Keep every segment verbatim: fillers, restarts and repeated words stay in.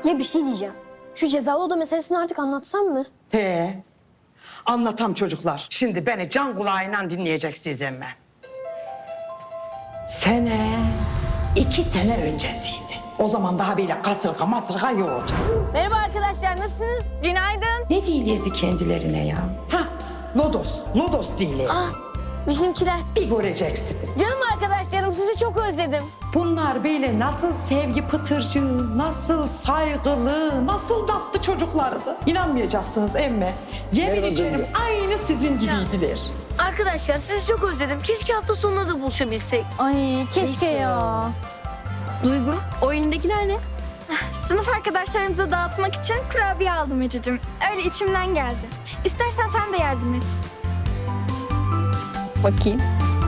Ya bir şey diyeceğim. Şu cezalı oda meselesini artık anlatsam mı? He. Anlatam çocuklar. Şimdi beni can kulağıyla dinleyeceksiniz emme. Sene iki sene öncesiydi. O zaman daha böyle kasırga masırga yoktu. Merhaba arkadaşlar, nasılsınız? Günaydın. Ne değilirdi kendilerine ya? Ha, lodos, lodos değiller. Ah, bizimkiler. Bir göreceksiniz. Canım arkadaşlarım, sizi çok özledim. Bunlar böyle nasıl sevgi pıtırcığı, nasıl saygılı, nasıl tatlı çocuklardı. İnanmayacaksınız emme. Yemin ederim aynı sizin gibiydiler. Arkadaşlar, sizi çok özledim. Keşke hafta sonunda da buluşabilsek. Ay keşke ya. Duygu, o elindekiler ne? Sınıf arkadaşlarımıza dağıtmak için kurabiye aldım Ececiğim. Öyle içimden geldi. İstersen sen de yardım et. Bakayım.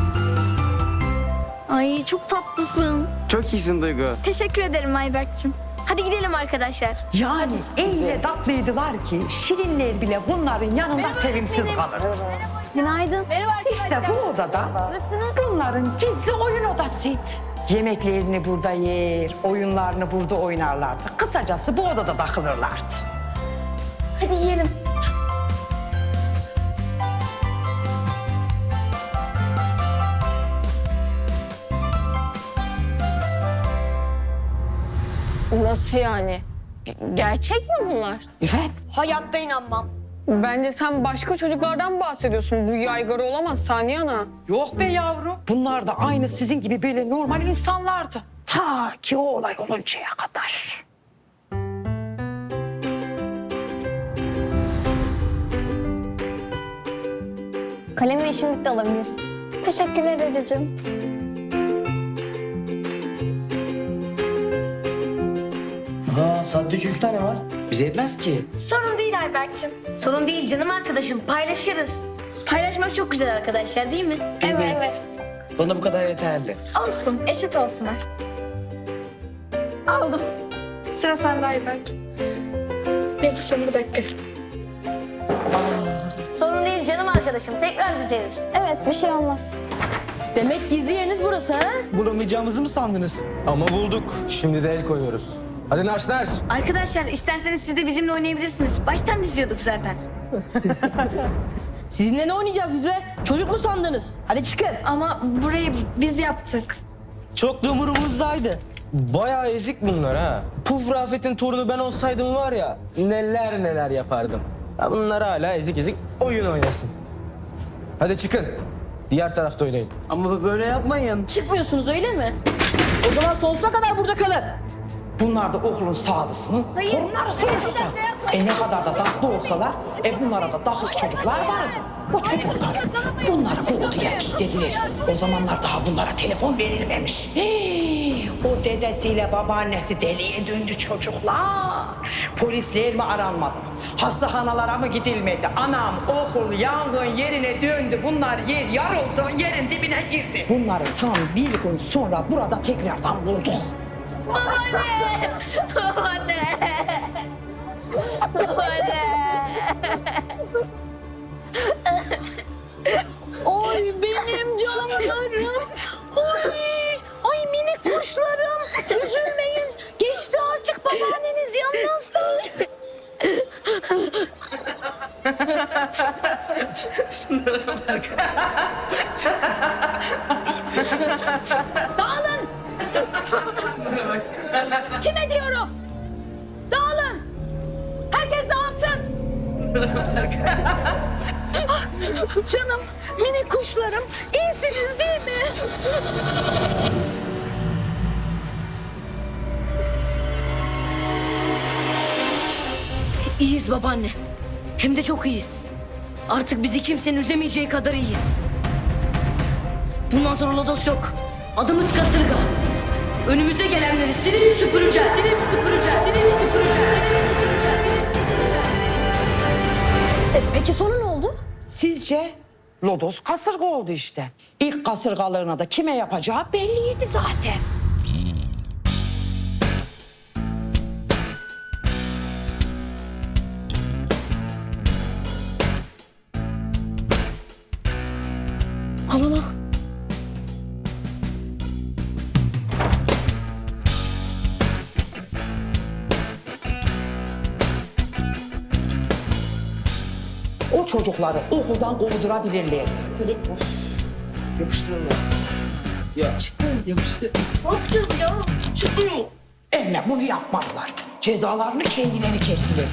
Ay çok tatlısın. Çok iyisin Duygu. Teşekkür ederim Ayberk'cim. Hadi gidelim arkadaşlar. Yani öyle tatlıydılar ki şirinler bile bunların yanında sevimsiz kalırdı. Günaydın. Merhaba arkadaşlar. İşte bu odada bunların gizli oyun odasıydı. Yemeklerini burada yer, oyunlarını burada oynarlardı. Kısacası bu odada takılırlardı. Hadi yiyelim. Nasıl yani? Gerçek mi bunlar? Evet. Hayatta inanmam. Bence sen başka çocuklardan bahsediyorsun. Bu yaygara olamaz Saniye Ana. Yok be yavrum. Bunlar da aynı sizin gibi böyle normal insanlardı. Ta ki o olay oluncaya kadar. Kalemle işim bitti, alabilirsin. Teşekkürler Ececiğim. Ha, sadece üç tane var. Bize yetmez ki. Sorun değil Ayberk'cim. Sorun değil canım arkadaşım, paylaşırız. Paylaşmak çok güzel arkadaşlar, değil mi? Evet. evet. Bana bu kadar yeterli. Olsun, eşit olsunlar. Aldım. Sıra sende Ayberk. Yapışın bir dakika. Sorun değil canım arkadaşım, tekrar dizeriz. Evet, bir şey olmaz. Demek gizli yeriniz burası ha? Bulamayacağımızı mı sandınız? Ama bulduk. Şimdi de el koyuyoruz. Hadi naş naş. Arkadaşlar isterseniz siz de bizimle oynayabilirsiniz. Baştan diziyorduk zaten. Sizinle ne oynayacağız biz be? Çocuk mu sandınız? Hadi çıkın. Ama burayı biz yaptık. Çok da umurumuzdaydı. Bayağı ezik bunlar ha. Puf Rafet'in torunu ben olsaydım var ya neler neler yapardım. Ya bunlar hala ezik ezik oyun oynasın. Hadi çıkın. Diğer tarafta oynayın. Ama böyle yapmayın. Çıkmıyorsunuz öyle mi? O zaman sonsuza kadar burada kalın. Bunlar da okulun sağlısının torunları sonuçta. E ne kadar da tatlı olsalar, e bunlara da dakik çocuklar vardı. O çocuklar bunları bu odaya kilitlediler. O zamanlar daha bunlara telefon verilmemiş. Hii, o dedesiyle babaannesi deliye döndü çocuklar. Polisler mi aranmadı? Hastanelara mı gidilmedi? Anam okul yangın yerine döndü. Bunlar yer yarıldı, yerin dibine girdi. Bunları tam bir gün sonra burada tekrardan bulduk. Babaanne! Babaanne! Babaanne! Oy benim canlarım. Oy, ay minik kuşlarım. Üzülmeyin. Geçti artık babaanneniz yanınızda. Dağılın. Kime diyorum? Dağılın. Herkes dağılsın. Ah, canım, minik kuşlarım, iyisiniz değil mi? İyiyiz babaanne. Hem de çok iyiyiz. Artık bizi kimsenin üzemeyeceği kadar iyiyiz. Bundan sonra lodos yok. Adımız kasırga. Önümüze gelenleri silip süpüreceğiz. Silip süpüreceğiz. Silip süpüreceğiz. Silip süpüreceğiz. Silip süpüreceğiz. E, peki sonra ne oldu? Sizce? Lodos kasırga oldu işte. İlk kasırgalığına da kime yapacağı belliydi zaten. Al al al. o çocukları okuldan kovdurabilirlerdi. Yapıştırın ya. Çıktı. Yapıştı. Ne yapacağız ya? Çıkmıyor. Emme bunu yapmadılar. Cezalarını kendileri kestiler.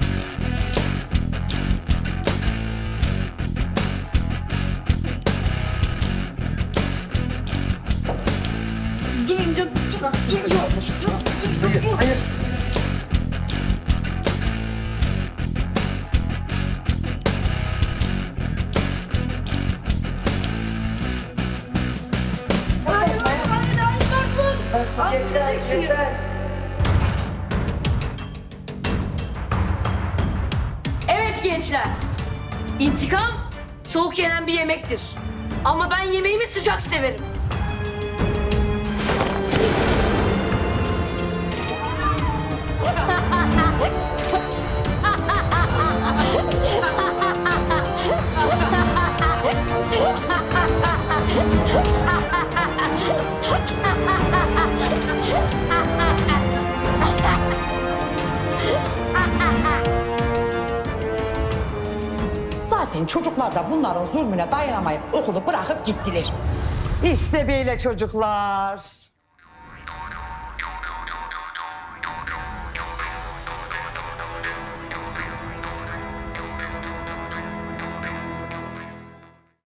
Evet gençler. İntikam soğuk yenen bir yemektir. Ama ben yemeğimi sıcak severim. Zaten çocuklar da bunların zulmüne dayanamayıp okulu bırakıp gittiler. İşte böyle çocuklar.